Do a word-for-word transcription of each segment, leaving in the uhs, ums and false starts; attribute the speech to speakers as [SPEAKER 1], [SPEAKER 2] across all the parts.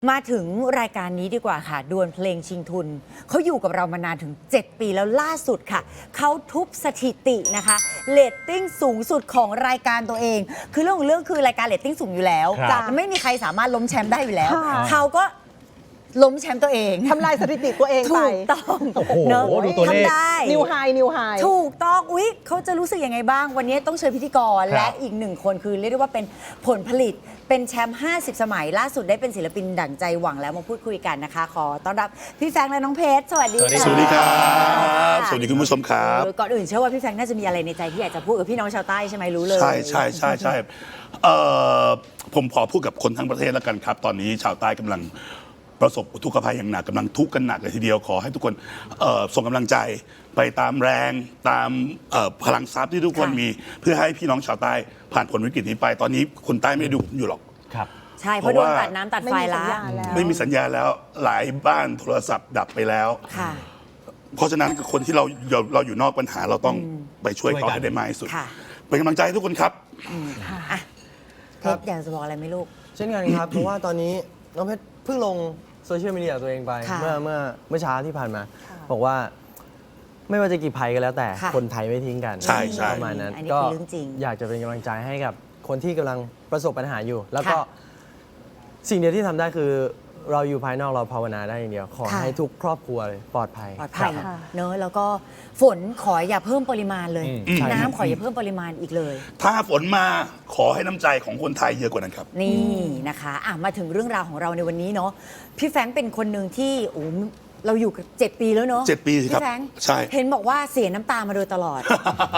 [SPEAKER 1] มาถึงรายการนี้ดีกว่าค่ะดวลเพลงชิงทุนเขาอยู่กับเรามานานถึงเจ็ดปีแล้วล่าสุดค่ะเขาทุบสถิตินะคะเรตติ้งสูงสุดของรายการตัวเองคือเรื่องของเรื่องคือรายการเรตติ้งสูงอยู่แล้วจะไม่มีใครสามารถล้มแชมป์ได้อยู่แล้วเขาก็ล้มแชมป์ตัวเอง
[SPEAKER 2] ทำลายสถิติตัวเองไป
[SPEAKER 1] ถูกต้อง
[SPEAKER 3] เนอะ
[SPEAKER 1] ทำได้
[SPEAKER 2] นิวไฮนิวไฮ
[SPEAKER 1] ถูกต้องอุ๊ยเขาจะรู้สึกยังไงบ้างวันนี้ต้องเชิญพิธีกรและอีกหนึ่งคนคือเรียกได้ว่าเป็นผลผลิตเป็นแชมป์ห้าสิบสมัยล่าสุดได้เป็นศิลปินดั่งใจหวังแล้วมาพูดคุยกันนะคะขอต้อนรับพี่แฟรงค์และน้องเพชรสวัสดีค่ะ
[SPEAKER 4] สวัสดีครับสวัสดีคุณผู้ชมครับ
[SPEAKER 1] ก่อนอื่นเชื่อว่าพี่แฟรงค์น่าจะมีอะไรในใจที่อยากจะพูดกับพี่น้องชาวใต้ใช่ไหมรู้เลย
[SPEAKER 4] ใช่ใช่ใช่ใช่เอ่อผมขอพูดกับคนทั้งประเทศแล้วกันครับตอนนี้ชาวใต้กำลังประสบอุทกภัยอย่างหนักกำลังทุกข์กันหนักเลยทีเดียวขอให้ทุกคนส่งกำลังใจไปตามแรงตามพลังทรัพย์ที่ทุกคนมีเพื่อให้พี่น้องชาวใต้ผ่านผลวิกฤตนี้ไปตอนนี้คนใต้ไม่ได้ดูอยู่หรอก
[SPEAKER 3] ครับ
[SPEAKER 1] ใช่เพราะโดนตัดน้ำตัดไฟแล้ว
[SPEAKER 4] ไม่มีสัญญาณแล้วหลายบ้านโทรศัพท์ดับไปแล้วเพราะฉะนั้นคนที่เราเราอยู่นอกปัญหาเราต้องไปช่วยเขาให้ได้มากที่สุดเป็นกำลังใจให้ทุกคนครับ
[SPEAKER 1] เพชรอยากจะบอกอะไรไหมลูก
[SPEAKER 5] เช่นกันครับเพราะว่าตอนนี้น้องเพชรเพิ่งลงโซเชียลมีเดียตัวเองไปเมื่อเมื่อเมื่อเช้าที่ผ่านมาบอกว่าไม่ว่าจะกี่ภัยก็แล้วแต่คนไทยไม่ทิ้งกัน
[SPEAKER 4] ใช่ใช่
[SPEAKER 5] ประมาณนั้นก็อยากจะเป็นกำลังใจให้กับคนที่กำลังประสบปัญหาอยู่แล้วก็สิ่งเดียวที่ทำได้คือเราอยู่ภายนอกเราภาวนาได้อย่างเดียวขอให้ทุกครอบครัวปลอดภัย
[SPEAKER 1] ปลอดภัยเนอะแล้วก็ฝนขออย่าเพิ่มปริมาณเลยน้ำขออย่าเพิ่มปริมาณอีกเลย
[SPEAKER 4] ถ้าฝนมาขอให้น้ำใจของคนไทยเยอะกว่านั้นครับ
[SPEAKER 1] นี่นะคะอ่ะมาถึงเรื่องราวของเราในวันนี้เนาะพี่แฟรงค์เป็นคนหนึ่งที่โอ้เราอยู่กันเจ็ดปีแล้วเนาะ
[SPEAKER 4] เจ็ดปีครับ
[SPEAKER 1] พี่แฟรงค์
[SPEAKER 4] ใช่
[SPEAKER 1] เห็นบอกว่าเสียน้ำตามาโดยตลอด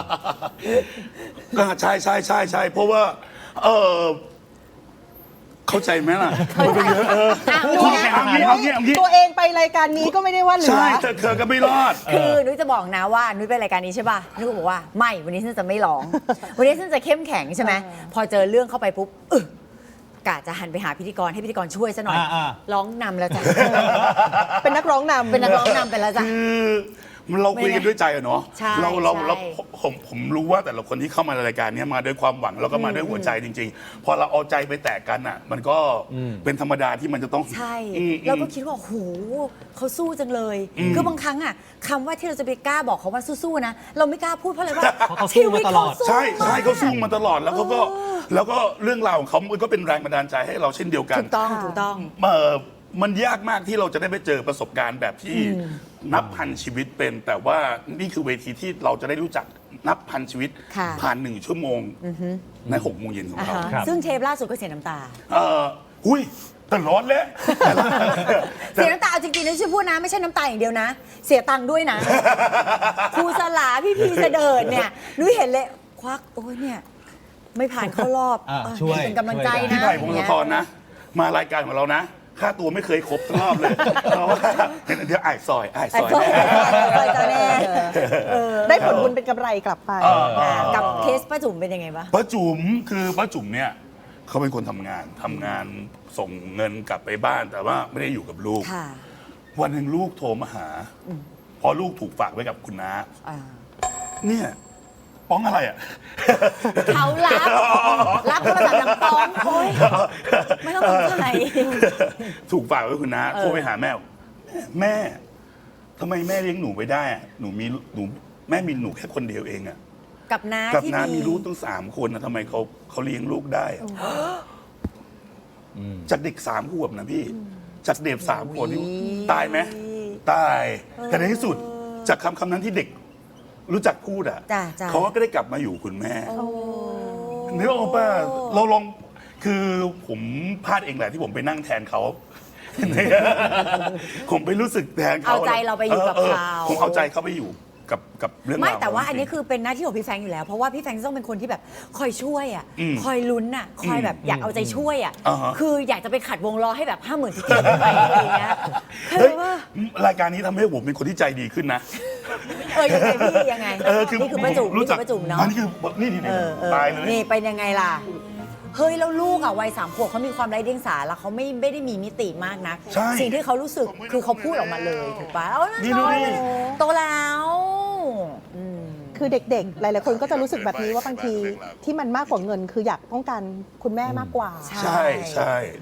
[SPEAKER 4] ก็ใช่ใช่ใช่ใช่เพราะว่าเออเข้าใจไหมล่ะ
[SPEAKER 2] ตัวเองไปรายการนี้ก็ไม่ได้ว่าเหลือ
[SPEAKER 4] ใช่แต่เธอก็ไม่รอด
[SPEAKER 1] คือนุ้ยจะบอกนะว่านุ้ยไปรายการนี้ใช่ป่ะนุ้ยก็บอกว่าไม่วันนี้ฉันจะไม่ร้องวันนี้ฉันจะเข้มแข็งใช่ไหมพอเจอเรื่องเข้าไปปุ๊บกะจะหันไปหาพิธีกรให้พิธีกรช่วยซะหน่อยร้องนำแล้วจ้ะ
[SPEAKER 2] เป็นนักร้องนำ
[SPEAKER 1] เป็นนักร้องนำไปแล้วจ้ะ
[SPEAKER 4] คือเราคุยกันด้วยใจอะเนาะเราเราเราผมผมรู้ว่าแต่ละคนที่เข้ามาในรายการนี้มาด้วยความหวังแล้วก็มาด้วยหัวใจจริงๆพอเราเอาใจไปแตกกันอ่ะมันก็เป็นธรรมดาที่มันจะต้อง
[SPEAKER 1] ใช่เราก็คิดว่าโหเขาสู้จังเลยคือบางครั้งอ่ะคำว่าที่เราจะไปกล้าบอกเขาว่าสู้ๆนะเราไม่กล้าพูดเพราะอะไรว่า
[SPEAKER 3] ชีวิตเขา
[SPEAKER 4] ใช่ใช่เขาสู้มาตลอดแล้วเขาก็แล้วก็เรื่องราวของเขามันก็เป็นแรงบันดาลใจให้เราเช่นเดียวกัน
[SPEAKER 1] ถูกต้องถูกต้อง
[SPEAKER 4] มันยากมากที่เราจะได้ไปเจอประสบการณ์แบบที่นับพันชีวิตเป็นแต่ว่านี่คือเวทีที่เราจะได้รู้จักนับพันชีวิตผ่านหนึ่งชั่วโมงในหกโมงเย็นของเรา
[SPEAKER 1] ซึ่งเทปล่าสุดก็เสียน้ำตา
[SPEAKER 4] เออหุ้ยแต่ร้อนแล้ว
[SPEAKER 1] เสียน้ำตาจริงๆนะช่วยพูดนะไม่ใช่น้ำตาอย่างเดียวนะเสียตังค์ด้วยนะครูสลาพี่พีเสดิร์ดเนี่ยนุ้ยเห็นเลยควักโอ้ยเนี่ยไม่ผ่านเข้ารอบเป็นกำลังใจนะ
[SPEAKER 4] พี่ไผ่พงศธรนะมารายการของเรานะค่าตัวไม่เคยครบทั้งรอบเลยเพราะว่าเดี๋ยวไอ้ซอยไอ้ซอย
[SPEAKER 1] แน่
[SPEAKER 2] ได้ผลบุญเป็นกำไรกลับไป
[SPEAKER 1] กับเคสป้าจุ๋มเป็นยังไงบ้าง
[SPEAKER 4] ป้าจุ๋มคือป้าจุ๋มเนี่ยเขาเป็นคนทำงานทำงานส่งเงินกลับไปบ้านแต่ว่าไม่ได้อยู่กับลูกวันหนึ่งลูกโทรมาหาพอลูกถูกฝากไว้กับคุณน้าเนี่ยป้องอะไรอ่ะ
[SPEAKER 1] เขารับรับโทรศัพท์ดังป้องโอ้ยไม่ต้องสนใจ
[SPEAKER 4] ถูกฝากไว้คุณน้าโทรไปหาแม่แม่ทำไมแม่เลี้ยงหนูไม่ได้หนูมีหนูแม่มีหนูแค่คนเดียวเองอ่ะ
[SPEAKER 1] กับน้า
[SPEAKER 4] กับน้ามีลูกตั้งสามคนนะทำไมเขาเขาเลี้ยงลูกได้จากเด็กสามขวบนะพี่จากเด็กสามคนตายไหมตายแต่ในที่สุดจากคำคำนั้นที่เด็กรู้จักพูดอ่ะเขาก็ได้กลับมาอยู่คุณแม่นึกออกป่ะเราลองคือผมพลาดเองแหละที่ผมไปนั่งแทนเขาผมไปรู้สึกแทนเขา
[SPEAKER 1] เอาใจเราไปอยู่กับเขา
[SPEAKER 4] ผมเอาใจเขาไปอยู่กับกับเรื่องราว
[SPEAKER 1] ไม่แต่ว่าอันนี้คือเป็นหน้าที่ของพี่แฟรงค์อยู่แล้วเพราะว่าพี่แฟรงค์ต้องเป็นคนที่แบบคอยช่วยอ่ะคอยลุ้นอ่ะคอยแบบอยากเอาใจช่วยอ่ะคืออยากจะไปขัดวงล้อให้แบบห้าหมื่นที่เกิดไปอะไรอย่างเงี้ยคือว่
[SPEAKER 4] ารายการนี้ทำให้ผมเป็นคนที่ใจดีขึ้นนะ
[SPEAKER 1] เออยังไงพี่ยังไงนี่คือป้าจุ๋มนี่คือป้าจุ๋มเนาะ
[SPEAKER 4] นี่คือนี่นี่ตายเลย
[SPEAKER 1] นี่เป็นยังไงล่ะเฮ้ยแล้วลูกอ่ะวัยสามขวบเขามีความไร้เดียงสาแล้วเขาไม่ไม่ได้มีมิติมากนะสิ่งที่เขารู้สึกคือเขาพูดออกมาเลยถูกปะเอ้าน้อยโตแล้ว
[SPEAKER 2] คือเด็กๆหลายๆคนก็จะรู้สึกแบบนี้ว่าบางทีที่มันมากกว่าเงินคืออยากต้องการคุณแม่มากกว่า
[SPEAKER 4] ใช่ใช่เนี่ย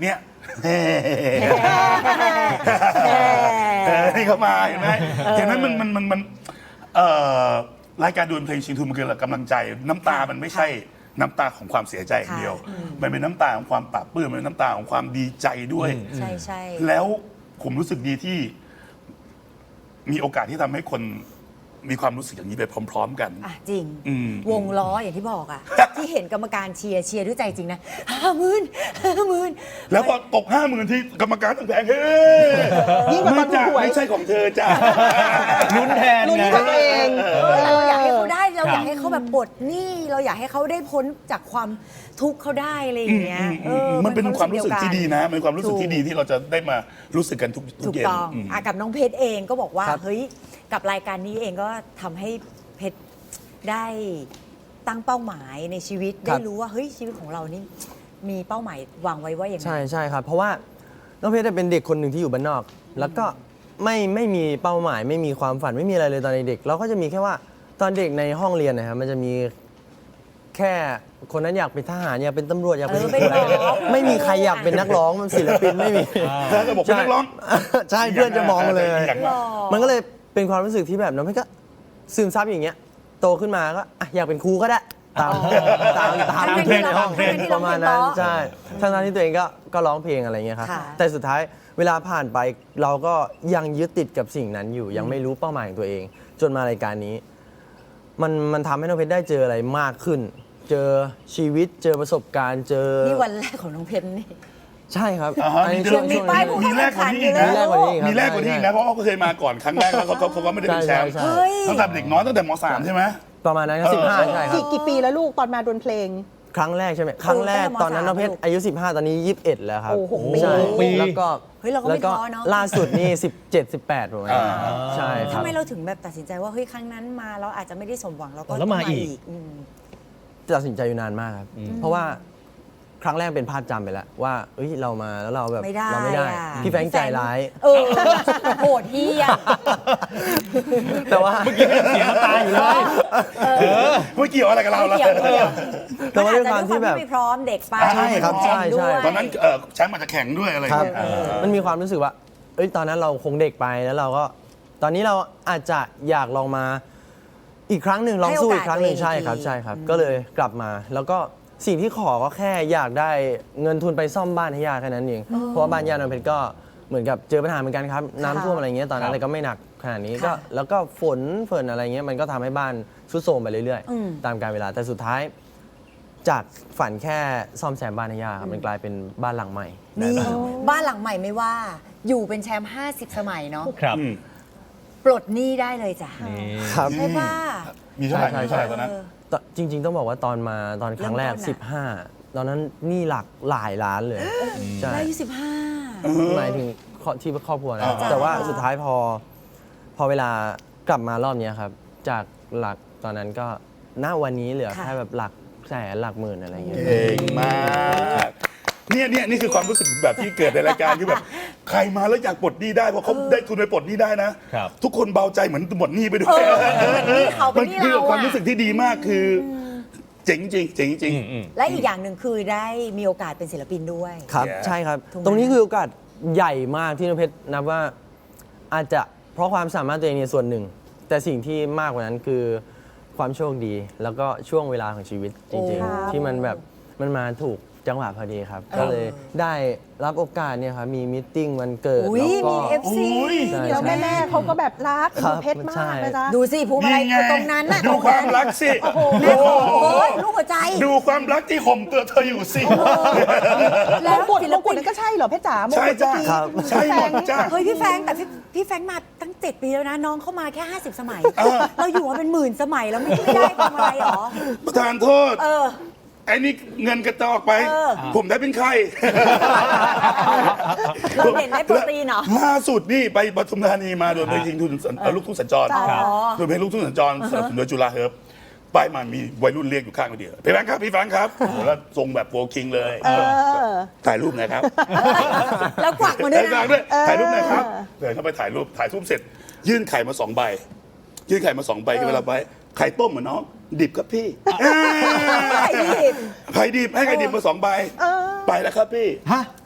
[SPEAKER 4] นี่เข้ามาเห็นไหมเห็นไหมมันมันมันมันเอ่อรายการดวลเพลงชิงทุนมันคือกำลังใจ น้ำตามันไม่ใช่น้ำตาของความเสียใจอย่างเดียว มันเป็นน้ำตาของความปลาบปลื้มมันเป็นน้ำตาของความดีใจด้วย
[SPEAKER 1] ใช่ใช่
[SPEAKER 4] แล้วผมรู้สึกดีที่มีโอกาสที่ทำให้คนมีความรู้สึกอย่างนี้ไปพร้อม ๆ กัน
[SPEAKER 1] อ่ะจริง
[SPEAKER 4] อืม
[SPEAKER 1] วงล้ออย่างที่บอกอ่ะ ที่เห็นกรรมการเชียร์เชียร์ด้วยใจจริงนะห้าหมื่นห้าหมื่น
[SPEAKER 4] แล้วพอตกห้าหมื่นที่กรรมการตั้งแผงเฮ้ย
[SPEAKER 2] ยิ่งกว่าตอน
[SPEAKER 4] ไม่จ้ะ
[SPEAKER 2] ถูกหวย
[SPEAKER 4] ไม่ใช่ของเธอจ้ะ
[SPEAKER 3] ลุ้นแทน
[SPEAKER 2] ลุ้น
[SPEAKER 3] ไง
[SPEAKER 2] กับตัวเอง
[SPEAKER 1] เราอยากให้เขาได้เรา
[SPEAKER 3] ครับ
[SPEAKER 1] อยากให้เขาแบบปลดหนี้เราอยากให้เขาได้พ้นจากความทุกข์เขาได้อะไรอย่างเงี้ยเออ
[SPEAKER 4] มันเป็นความรู้สึกที่ดีนะ มันเป็นความรู้สึก
[SPEAKER 1] ถูก
[SPEAKER 4] ที่ดีที่เราจะได้มารู้สึกกันทุกทุ
[SPEAKER 1] ถู
[SPEAKER 4] ก
[SPEAKER 1] ก
[SPEAKER 4] เย็น
[SPEAKER 1] ต้อง
[SPEAKER 4] อืม
[SPEAKER 1] อ่ะกับน้องเพชรเองก็บอกว่า
[SPEAKER 5] ครับ
[SPEAKER 1] เฮ้ยกับรายการนี้เองก็ทำให้เพชรได้ตั้งเป้าหมายในชีวิต
[SPEAKER 5] ครั
[SPEAKER 1] ได้
[SPEAKER 5] บ
[SPEAKER 1] รู้ว่าเฮ้ยชีวิตของเรานี่มีเป้าหมายวางไว้ว่าอย่างไร
[SPEAKER 5] ใช่ใช่ครับ เพราะว่าน้องเพชรเป็นเด็กคนหนึ่งที่อยู่บ้านนอก แล้วก็ไม่ไม่มีเป้าหมาย ไม่มีความฝันไม่มีอะไรเลยตอนเด็กเราก็จะมีแค่ว่าตอนเด็กในห้องเรียนนะครับมันจะมีแค่คนนั้นอยากเป็นทหารอยากเป็นตำรวจอยากเป็น
[SPEAKER 1] เออเป็นหมอ
[SPEAKER 5] ไม่มีใครอยากเป็นนักร้องมันศิลปินไม่มี
[SPEAKER 4] แล้วก็บอกเป็นนักร้อง
[SPEAKER 5] ใช่เพื่อนจะมองเลย
[SPEAKER 4] อย่างนั้น
[SPEAKER 5] มันก็เลยเป็นความรู้สึกที่แบบน้องเพชรก็ซึมซับอย่างเงี้ยโตขึ้นมาก็อ่ะอยากเป็นครูก็ได้ตามตามตาม
[SPEAKER 1] ทั้งๆ
[SPEAKER 5] เพื่อนในห้อง
[SPEAKER 1] ทั้งๆที่
[SPEAKER 5] ป
[SPEAKER 1] เรา
[SPEAKER 5] ระมาณนั้น
[SPEAKER 1] เพลงเพราะ
[SPEAKER 5] ใช่ทั้งๆที่ตัวเองก็ก็ร้องเพลงอะไรเงี้ยครับ
[SPEAKER 1] ค่ะ
[SPEAKER 5] แต่สุดท้ายเวลาผ่านไปเราก็ยังยึดติดกับสิ่งนั้นอยู่ ยังไม่รู้เป้าหมายของตัวเอง จนมารายการนี้ มันมันทำให้น้องเพชรได้เจออะไรมากขึ้น เจอชีวิตเจอประสบการณ์เจอ
[SPEAKER 1] นี่วันแรกของน้องเพชรนี่
[SPEAKER 5] ใช่ครับ
[SPEAKER 4] อ่าฮะ
[SPEAKER 5] อันนี้
[SPEAKER 4] มี
[SPEAKER 5] ช่วง
[SPEAKER 1] มี
[SPEAKER 5] ช่วง
[SPEAKER 1] ป้าย
[SPEAKER 5] นี้
[SPEAKER 1] ผู้
[SPEAKER 4] มีแรกกว่านี้อีกนะ
[SPEAKER 5] มีแรกกว่านี้อีกครับ
[SPEAKER 4] มีแรกกว่านี้อีกนะเพราะว่าเขาเคยมาก่อนครั้งแรกแล้วเขาเขาเขาก็ไม่ได้เป็นแชมป์
[SPEAKER 5] ใช่
[SPEAKER 1] เฮ้ย
[SPEAKER 4] ตั้งแต่เด็กน้อยตั้งแต่มสามใช่ไหม
[SPEAKER 5] ประมาณนั้นครับสิบห้าใช่ครับ
[SPEAKER 2] กี่กี่ปีแล้วลูกตอนมาดวลเพลง
[SPEAKER 5] ครั้งแรกใช่ไหมครั้งแรก
[SPEAKER 1] ตั้งแต่ม
[SPEAKER 5] ตอนนั้นน้องเพชรอายุสิบห้าตอนนี้ยี่สิบเอ็ดแล้วครับ
[SPEAKER 2] โอ้โห
[SPEAKER 5] ใช่
[SPEAKER 3] ปี
[SPEAKER 5] แล้วก็
[SPEAKER 1] เฮ้ยเราก็ไม่
[SPEAKER 5] แล้วก็
[SPEAKER 1] ท้อเนอะ
[SPEAKER 5] ล่าสุดนี่สิบเจ็ด สิบแปดประมาณนี้
[SPEAKER 4] อ่า
[SPEAKER 5] ใช่ค
[SPEAKER 1] ทำ
[SPEAKER 5] รับ
[SPEAKER 1] ไมเราถึงแบบตัดสินใจว่าเฮ้ยครั้งนั้นมาเราอาจจะไม่ได้สมหวังเราก็
[SPEAKER 3] แล้วมา
[SPEAKER 1] ต้อง
[SPEAKER 3] อีก
[SPEAKER 1] อืม
[SPEAKER 5] ตัดสินใจอยู่นานมากครับ เพราะว่าครั้งแรกเป็นภาพจำไปแล้วว่าเอ้ยเรามาแล้วเราแบบ
[SPEAKER 1] ไม่ได้
[SPEAKER 5] เราไม่ได้
[SPEAKER 1] อะ
[SPEAKER 5] พี่แฟรงค์ใจร้าย
[SPEAKER 1] เออโหดเหี้ย
[SPEAKER 5] แต่ว่า
[SPEAKER 3] เสียงตาอยู่เลย
[SPEAKER 4] ไม่เกี่ยวอะไรกับเรา
[SPEAKER 1] ไม่
[SPEAKER 4] แล้ว
[SPEAKER 1] เกี่ยวไม่เกี่ยว
[SPEAKER 5] แต่ว่าด้วยความที่แบบ
[SPEAKER 1] นอาจจะด้วยความไม่พร้อมเด็กไป
[SPEAKER 5] ใช่ครับใช่ใช่
[SPEAKER 1] ด้วย
[SPEAKER 4] ตอนนั้นเอ่อแชมป์อาจจะแข่งด้วยอะไรอ
[SPEAKER 5] ค
[SPEAKER 4] ย่า
[SPEAKER 5] รั
[SPEAKER 4] ง
[SPEAKER 5] บ
[SPEAKER 4] เงี้ย
[SPEAKER 5] มันมีความรู้สึกว่า เอ้ย ตอนนั้นเราคงเด็กไปแล้วเราก็ ตอนนี้เราอาจจะอยากลองมาอีกครั้งหนึ่งลองสู้อีกครั้งหนึ่ง
[SPEAKER 1] ให้โอกาส
[SPEAKER 5] ใช่ครับ
[SPEAKER 1] ตัวเอง
[SPEAKER 5] ใช่ครับ ก็เลยกลับมา แล้วก็สิ่งที่ขอก็แค่อยากได้เงินทุนไปซ่อมบ้านให้ย่าแค่นั้นเอง เพราะว่าบ้านย่าน้องเพชรก็เหมือนกับเจอปัญหาเหมือนกันครับ น้ำท่วมอะไรเงี้ย ตอนนั้น
[SPEAKER 3] ครับ
[SPEAKER 5] แต่ก็ไม่หนักขนาดนี้
[SPEAKER 1] ค่ะ
[SPEAKER 5] ก็แล้วก็ฝนฝนอะไรเงี้ย มันก็ทำให้บ้านทรุดโทรมไปเรื่อย
[SPEAKER 1] อืม
[SPEAKER 5] ๆ ตามกาลเวลา แต่สุดท้าย จากฝันแค่ซ่อมแซมบ้านให้ย่าครับ มันกลายเป็นบ้านหลังใหม่ได้
[SPEAKER 1] นี่
[SPEAKER 5] บ้านหลังใหม่
[SPEAKER 1] บ้านหลังใหม่ไม่ว่า อยู่เป็นแชมป์ห้าสิบสมัยเนาะ
[SPEAKER 3] ครับ
[SPEAKER 4] อืม
[SPEAKER 1] ปลดหนี้ได้เลยจ้ะ
[SPEAKER 3] นี่
[SPEAKER 5] ครับ
[SPEAKER 1] ใช่ป่ะ
[SPEAKER 4] มีเท่าไหร่
[SPEAKER 5] ใช่
[SPEAKER 4] มี
[SPEAKER 5] ใช่
[SPEAKER 4] เท่าไหร่ตอนนั้น
[SPEAKER 1] เออ
[SPEAKER 5] ตอนจริง ๆ ต้องบอกว่าตอนมาตอนครั้งแรก
[SPEAKER 1] เริ่มต้นอะ
[SPEAKER 5] สิบห้า ตอนนั้นหนี่หลักหลายล้านเลย ใช่
[SPEAKER 1] ได้อายุสิบห้า
[SPEAKER 5] หมายถึงครอบที่ครอบครัวนะ
[SPEAKER 4] อ่า
[SPEAKER 5] แต่ว่าสุดท้ายพอ พอเวลากลับมารอบเนี้ยครับ จากหลักตอนนั้นก็ณวันนี้เหลือ
[SPEAKER 1] ค่ะ
[SPEAKER 5] แค่แบบหลักแสนหลักหมื่นอะไรอย่างเงี้ย
[SPEAKER 4] เก่งมากเนี่ยเนี่ยนี่คือความรู้สึกแบบที่เกิดในรายการคือแบบใครมาแล้วอยากปลดหนี้ได้เพราะเขาได้ทุนไปปลดหนี้ได้นะ
[SPEAKER 3] ครับ
[SPEAKER 4] ทุกคนเบาใจเหมือนหมดหนี้ไปด้ว
[SPEAKER 1] เอย อเหมือนหนี้เขาเป็นหนี้
[SPEAKER 4] คือ
[SPEAKER 1] เรา
[SPEAKER 4] ความ
[SPEAKER 1] อะ
[SPEAKER 4] รู้สึกที่ดีมากคืออเจ๋งจริงเจ๋งจริง
[SPEAKER 3] อืมอืม
[SPEAKER 1] และอีกอย่างหนึ่งคือได้มีโอกาสเป็นศิลปินด้วย
[SPEAKER 5] ครับ
[SPEAKER 4] Yeah
[SPEAKER 5] ใช่ครับ
[SPEAKER 1] ถูกไหม
[SPEAKER 5] ตรงนี้คือโอกาสใหญ่มากที่น้องเพชรนับว่าอาจจะเพราะความสามารถตัวเองในส่วนหนึ่ง แต่สิ่งที่มากกว่านั้นคือความโชคดี แล้วก็ช่วงเวลาของชีวิตจริง
[SPEAKER 1] โอ้
[SPEAKER 5] ๆ ที่มันแบบมันมาถูกจังหวะพอดีครับ
[SPEAKER 1] เออ
[SPEAKER 5] ก็เลยได้รับโอกาสเนี่ยครับมีมิทติ้งวันเกิด
[SPEAKER 1] อุ้ย
[SPEAKER 5] แล้วก็
[SPEAKER 1] มีเอฟซี
[SPEAKER 4] อุ้ย
[SPEAKER 5] ใช่
[SPEAKER 2] แล้วแม่แม่ๆเขาก็แบบรัก
[SPEAKER 5] ครั
[SPEAKER 2] ดู
[SPEAKER 5] บ
[SPEAKER 2] เพชรมา
[SPEAKER 5] ใช่
[SPEAKER 2] กนะจ๊ะ
[SPEAKER 1] ดูสิภูมิอะไร
[SPEAKER 4] นี่ไง
[SPEAKER 1] ตรงนั้นน่ะ
[SPEAKER 4] ดูความรักสิ
[SPEAKER 1] โอ้โหแม่โอ้โหลูกหัวใจ
[SPEAKER 4] ดูความรักที่ห่มตัวเธออยู่สิ
[SPEAKER 2] มงกุฎมงกุฎนั่นก็ใช่เหรอเพชรจ๋ามง
[SPEAKER 4] ใช่
[SPEAKER 2] กุฎ
[SPEAKER 4] จ้า
[SPEAKER 2] เมื่อกี้
[SPEAKER 5] ครับ
[SPEAKER 4] ใช่หมดจ้า
[SPEAKER 1] เฮ้ยพี่แฟรงค์แต่พี่พี่แฟรงค์มาตั้งเจ็ดปีแล้วนะ น้องเข้ามาแค่ห้าสิบสมัย เราอยู่มาเป็นหมื่นสมัยแล้วไม่ได้ทำอะไรหรอ
[SPEAKER 4] ประธานโทษ
[SPEAKER 1] เออ
[SPEAKER 4] ไอ้นี่เงินกระจอกไป
[SPEAKER 1] เออ
[SPEAKER 4] ผมได้เป็นใคร
[SPEAKER 1] เราเห็นได้โปรตีนเหรอ
[SPEAKER 4] ล่าสุดนี่ไปปทุมธานีมาโดนเพลงชิงทุนเอ่อลูกทุ่งสัญจร
[SPEAKER 1] ครับ
[SPEAKER 4] โดนเพลงลูกทุ่งสัญจรสนับสนุนโดยจุฬาเฮิร์บไปมามีวัยรุ่นเรียกอยู่ข้างเดียวพี่แฟรงค์ครับพี่แฟรงค์ครับโอ้โหแล้วทรงแบบโฟคิงเลย
[SPEAKER 2] เออ
[SPEAKER 4] ถ่ายรูปหน่อยครับ
[SPEAKER 1] แล้วกวักมาด้วย
[SPEAKER 4] ถ่าย
[SPEAKER 1] นะ
[SPEAKER 4] ด้วยถ่ายรูปหน่อยครับเดินเข้าไปถ่ายรูปถ่ายรูปเสร็จ ยื่นไข่มาสองใบ ยื่นไข่มาสองใบเวลาไปไข่ต้มเหมือนน้องดิบครับพี่
[SPEAKER 1] ไข่ดิบ
[SPEAKER 4] ไข่ดิบให้ไข่ดิบมาสองใบ
[SPEAKER 2] เออ
[SPEAKER 4] ไปแล้วครับพี่
[SPEAKER 3] ฮะ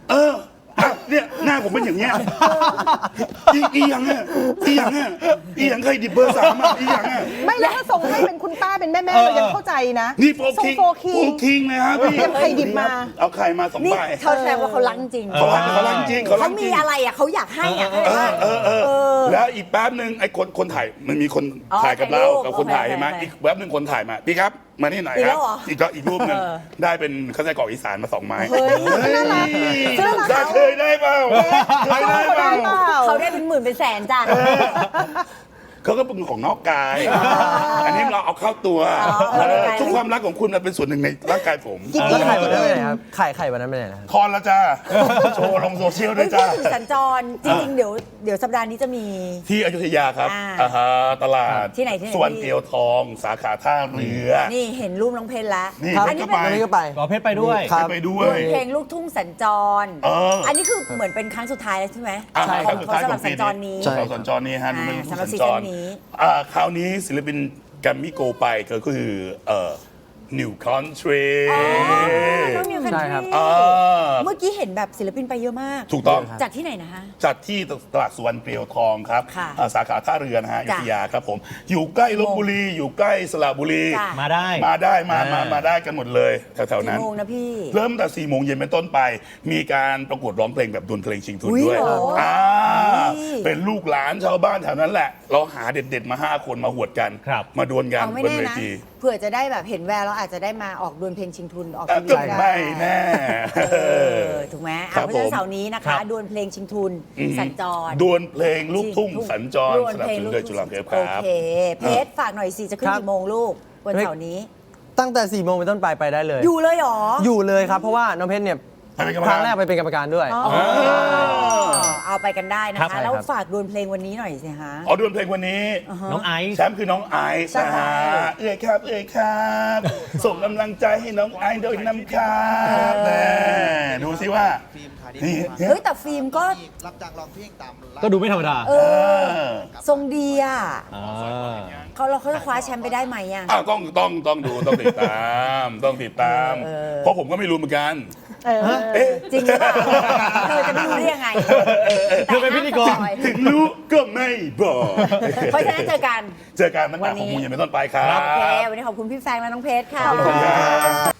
[SPEAKER 4] เอออ่ะเนี่ยหน้าผมเป็นอย่างเงี้ยอีอีหยังอ่ะอีหยังอ่ะอีหยังใครดิบเบอร์สามอ่ะอีหยังอ่ะ
[SPEAKER 2] ไม่แล้วถ้าส่งให้เป็นคุณป้าเป็นแม่แม่เรายังเข้าใจนะ
[SPEAKER 4] นี่โฟ
[SPEAKER 2] ส่ง
[SPEAKER 4] คิง
[SPEAKER 2] โฟคิง
[SPEAKER 4] โฟคิงเลยฮะพี่
[SPEAKER 2] เตรียมไข่ดิบมา
[SPEAKER 4] เอาไข่มาสอง
[SPEAKER 1] นี่
[SPEAKER 4] ใบ
[SPEAKER 1] เขาแสดงว่าเขารักจริง
[SPEAKER 4] เขารักเขารักจริงเขารั
[SPEAKER 1] เขา
[SPEAKER 4] กจ
[SPEAKER 1] มี
[SPEAKER 4] ริง
[SPEAKER 1] อะไรอ่ะเขาอยากให้อ่ะเข้าใจป่ะ
[SPEAKER 4] เออเออเออ
[SPEAKER 1] อ
[SPEAKER 4] แล้วอีกแป๊บหนึ่งไอ้คนคนถ่ายมันมีคน
[SPEAKER 1] อ๋อ
[SPEAKER 4] ถ่ายกับเรา
[SPEAKER 1] ถ่ายรูป
[SPEAKER 4] กับคนถ่าย
[SPEAKER 1] โอเค
[SPEAKER 4] ใช่ไหม
[SPEAKER 1] โอเค
[SPEAKER 4] อีกแป๊บหนึ่งคนถ่ายมาพี่ครับมานี่หน่อย
[SPEAKER 1] อีก
[SPEAKER 4] ค
[SPEAKER 1] แล้
[SPEAKER 4] รับ
[SPEAKER 1] วเหรอ
[SPEAKER 4] อีกก็อีกรูปหนึ่ง
[SPEAKER 1] เออ
[SPEAKER 4] ได้เป็นข้าวไส้กรอกอีสานมาสองไม้
[SPEAKER 1] เฮ้ย
[SPEAKER 2] น่ารัก
[SPEAKER 4] เฮ้ยได้เคยได้เปล่าเคยได้เปล่า
[SPEAKER 2] เปล่า
[SPEAKER 1] เขาได้เป็นหมื่นเป็นแสนจ้ะ
[SPEAKER 4] เขาก็เป็นของนอกกาย อันนี้เราเอาเข้าตัว
[SPEAKER 1] อ๋อเอาเข้าตัว
[SPEAKER 4] ทุกความรักของคุณมันเป็นส่วนหนึ่งในร่างกายผม
[SPEAKER 5] แล้วไข่วันนั้นไปไหนครับไข่ไข่วันนั้นไปไหนนะครับ
[SPEAKER 4] ทอนแล้วจ้าโชว์ลงโซเชียลด้
[SPEAKER 1] เฮ้
[SPEAKER 4] วย ย
[SPEAKER 1] พู
[SPEAKER 4] จ้า
[SPEAKER 1] ดถึงสัญจรจริงๆเดี๋ยวเดี๋ยวสัปดาห์นี้จะมี
[SPEAKER 4] ที่อยุธยาครับ
[SPEAKER 1] อ่า
[SPEAKER 4] อ่าฮะตลาด
[SPEAKER 1] ที่ไหนที่ไหน
[SPEAKER 4] สวนเตียวทอง สาขาท่าเรือ
[SPEAKER 1] นี่เห็นรูปน้องเพชรแล้ว
[SPEAKER 4] นี่
[SPEAKER 5] ครับ
[SPEAKER 1] อันนี้
[SPEAKER 4] ก็
[SPEAKER 1] เป็น
[SPEAKER 4] ไป
[SPEAKER 5] วันนี้ก็ไป
[SPEAKER 3] ขอเพชรไปด้วย
[SPEAKER 5] ครับ
[SPEAKER 4] ไปด้ว
[SPEAKER 1] ดวย ลเพลงลูกทุ่งสัญจร
[SPEAKER 4] เอออั
[SPEAKER 1] นนี้คือเหมือนเป็นครั้งสุดท้ายแล้วใช่ไหม
[SPEAKER 4] อ่า
[SPEAKER 5] ใช่
[SPEAKER 1] ของ
[SPEAKER 4] สุด
[SPEAKER 1] ของ
[SPEAKER 4] ท้าย
[SPEAKER 1] สำห
[SPEAKER 4] ข
[SPEAKER 1] รั
[SPEAKER 4] อบ ง
[SPEAKER 1] สั
[SPEAKER 4] ปี
[SPEAKER 1] ญจรนี้
[SPEAKER 5] ใช่
[SPEAKER 4] สำหรับสัญจรนี้ฮะ
[SPEAKER 1] อ่า
[SPEAKER 4] เป็น
[SPEAKER 1] สำหรับ
[SPEAKER 4] สัญ
[SPEAKER 1] ซี
[SPEAKER 4] จ
[SPEAKER 1] ซั่
[SPEAKER 4] ร
[SPEAKER 1] นนี้
[SPEAKER 4] อ่าคราวนี้ศิลปินแกรมมี่โกไปก็คือเอ่อ New Country
[SPEAKER 1] อ๋อน้องนิวคัน
[SPEAKER 5] ใช่
[SPEAKER 1] ท
[SPEAKER 5] ครับ
[SPEAKER 1] รี
[SPEAKER 4] อ่า
[SPEAKER 1] เมื่อกี้เห็นแบบศิลปินไปเยอะมาก
[SPEAKER 4] ถูกต้อง
[SPEAKER 1] จากที่ไหนนะคะ
[SPEAKER 4] จัดที่ตลาดสวนเปรียวทองครับ
[SPEAKER 1] ค่ะ
[SPEAKER 4] อ่าสาขาท่าเรือนะฮะอยุ
[SPEAKER 1] จ้ะ
[SPEAKER 4] ธยาครับผม อยู่ใกล้ลบบุรี อยู่ใกล้สระบุรี
[SPEAKER 1] จ้ะ
[SPEAKER 3] มาได้
[SPEAKER 4] มาได้มามา
[SPEAKER 3] อ่าม
[SPEAKER 4] มาได้กันหมดเลยแถวๆ
[SPEAKER 1] กี่
[SPEAKER 4] นั้น
[SPEAKER 1] โมงนะพี่
[SPEAKER 4] เริ่มแต่สี่โมงเย็นเป็นต้นไป มีการประกวดร้องเพลงแบบดวลเพลงชิงทุน
[SPEAKER 1] อุ๊ย
[SPEAKER 4] ด้วย
[SPEAKER 1] เหรออ่
[SPEAKER 4] อ่า
[SPEAKER 1] อุ๊ย
[SPEAKER 4] เป็นลูกหลานชาวบ้านแถวนั้นแหละ เราหาเด็ดๆมาห้าคนมาหวดกัน
[SPEAKER 3] ครับ
[SPEAKER 4] มาดวลกัน
[SPEAKER 1] เอาไม่
[SPEAKER 4] บน
[SPEAKER 1] แน่
[SPEAKER 4] เว
[SPEAKER 1] นะ
[SPEAKER 4] ที
[SPEAKER 1] เผื่อจะได้แบบเห็นแววเราอาจจะได้มาออกดวลเพลงชิงทุนออก
[SPEAKER 4] อ่ะ
[SPEAKER 1] ทีวี
[SPEAKER 4] ก็ไม่แน่
[SPEAKER 1] เออถูกไหม
[SPEAKER 4] ครั
[SPEAKER 1] อ่ะ
[SPEAKER 4] บ
[SPEAKER 1] เพราะฉะนั้น
[SPEAKER 4] ผม
[SPEAKER 1] เสาร์นี้นะ
[SPEAKER 3] ครั
[SPEAKER 1] คะ
[SPEAKER 3] บ
[SPEAKER 1] ดวลเพลงชิงทุน
[SPEAKER 4] อือฮึ
[SPEAKER 1] สัญจร
[SPEAKER 4] ดวลเพลงลูกทุ่งสัญจร
[SPEAKER 1] ดวล
[SPEAKER 4] สนับ
[SPEAKER 1] เพลง
[SPEAKER 4] สนุน
[SPEAKER 1] ลูก
[SPEAKER 4] โดย
[SPEAKER 1] ทุ่ง
[SPEAKER 4] จุฬาเทพค
[SPEAKER 1] โอ
[SPEAKER 4] รับ
[SPEAKER 1] เคเพชรฝากหน่อยสิจะขึ้น
[SPEAKER 5] ครับ
[SPEAKER 1] กี่โมงลูกวันเสาร์นี้
[SPEAKER 5] ตั้งแต่สี่โมงเป็นต้นไปไปได้เลย
[SPEAKER 1] อยู่เลยเหรอ
[SPEAKER 5] อยู่เลยครับ เพราะว่าน้องเพชรเนี่ย
[SPEAKER 4] ไปเป็นกรรม
[SPEAKER 5] ค
[SPEAKER 4] การ
[SPEAKER 5] รั้งแรกไปเป็นกรรมการด้วย
[SPEAKER 1] อ๋อเอาไปกันได้นะ
[SPEAKER 3] ครั
[SPEAKER 1] คะ
[SPEAKER 3] บ
[SPEAKER 1] แล้ว
[SPEAKER 5] ใช่ครับ
[SPEAKER 1] ฝากดวลเพลงวันนี้หน่อยสิฮะ
[SPEAKER 4] อ๋อดวลเพลงวันนี้
[SPEAKER 3] น้องไอซ์
[SPEAKER 4] แชมป์คือน้องไอซ์
[SPEAKER 1] ใช่
[SPEAKER 4] นะฮะเอ้ยครับ เอ้ยครับ ส่งกำลังใจให้น้องไอซ์โดยน้ำครับแน่ดูสิว่า
[SPEAKER 6] ฟิล์มขายดี
[SPEAKER 4] นี่
[SPEAKER 6] มาก
[SPEAKER 1] เฮ้ยแต่ฟิล์มก็
[SPEAKER 6] รับจ้างร้องเพลงตามร้าน
[SPEAKER 3] ก็ดูไม่ธรรมดา
[SPEAKER 1] เอ
[SPEAKER 4] เอ
[SPEAKER 1] อ
[SPEAKER 4] อ
[SPEAKER 1] ทรงดีอ่ะ
[SPEAKER 3] อ่า
[SPEAKER 1] เขาเราเขาจะคว้าแชมป์ไปได้ไหมอ่ะ
[SPEAKER 4] อ้าวต้องต้องต้องดูต้องติดตาม ต้องติดตาม
[SPEAKER 1] เออ
[SPEAKER 4] เพราะผมก็ไม่รู้เหมือนกัน
[SPEAKER 2] เออ
[SPEAKER 4] เอ๊ะ
[SPEAKER 1] จริงหรือเปล่าเธอจะไม่รู้ได้ยังไง
[SPEAKER 3] เธอเป็นพิธีกร
[SPEAKER 1] แต่ห้ามสปอย
[SPEAKER 4] ถึงรู้ก็ไม่บอก
[SPEAKER 1] เพราะฉะนั้นเจอกัน
[SPEAKER 4] เจอกันตั้งแต่หกโมงเย็นเป็นต้นไปครับ
[SPEAKER 1] โอเค วันนี้ขอบคุณพี่แฟงและน้องเพชรค่ะ
[SPEAKER 4] ขอบคุณครับ